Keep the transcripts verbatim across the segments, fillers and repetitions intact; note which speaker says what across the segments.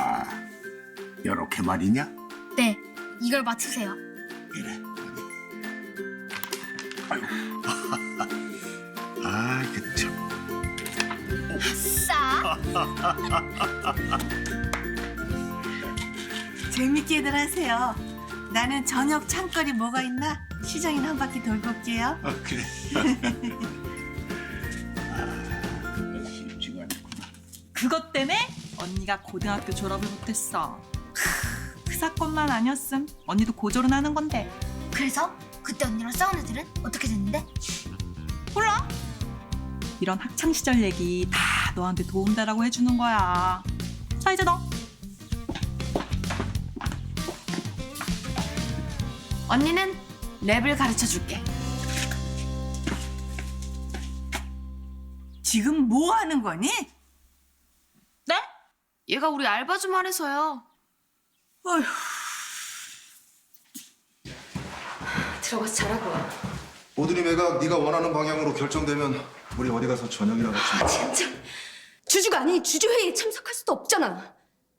Speaker 1: 아, 요렇게 말이냐?
Speaker 2: 네, 이걸 맞추세요.
Speaker 1: 그래. 아유. 아, 그 참.
Speaker 2: 싸.
Speaker 3: 재밌게들 하세요. 나는 저녁 창거리 뭐가 있나 시장이나 한 바퀴 돌고 올게요.
Speaker 1: 아, 그래. 아, 쉽지가 않구나.
Speaker 4: 그것 때문에 언니가 고등학교 졸업을 못했어. 크, 그 사건만 아니었음 언니도 고졸은 하는 건데.
Speaker 2: 그래서 그때 언니랑 싸운 애들은 어떻게 됐는데?
Speaker 4: 몰라? 이런 학창 시절 얘기 다 너한테 도움되라고 해주는 거야. 자 이제 너.
Speaker 3: 언니는 랩을 가르쳐 줄게. 지금 뭐 하는 거니?
Speaker 2: 네? 얘가 우리 알바 좀 하래서요.
Speaker 3: 어휴.
Speaker 2: 들어가서 자라고요.
Speaker 5: 오드리 매각 네가 원하는 방향으로 결정되면 우리 어디 가서 저녁이나 같이 먹자.
Speaker 6: 진짜 주주가 아닌 주주회의에 참석할 수도 없잖아.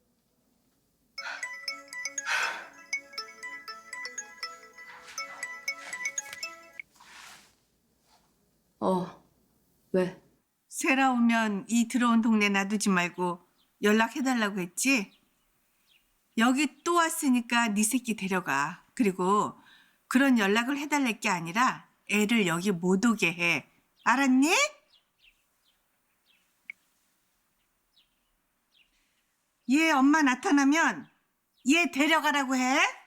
Speaker 6: 어, 왜?
Speaker 3: 세라 오면 이 들어온 동네 놔두지 말고 연락해달라고 했지? 여기 또 왔으니까 네 새끼 데려가. 그리고 그런 연락을 해달랄 게 아니라 애를 여기 못 오게 해. 알았니? 얘 엄마 나타나면 얘 데려가라고 해.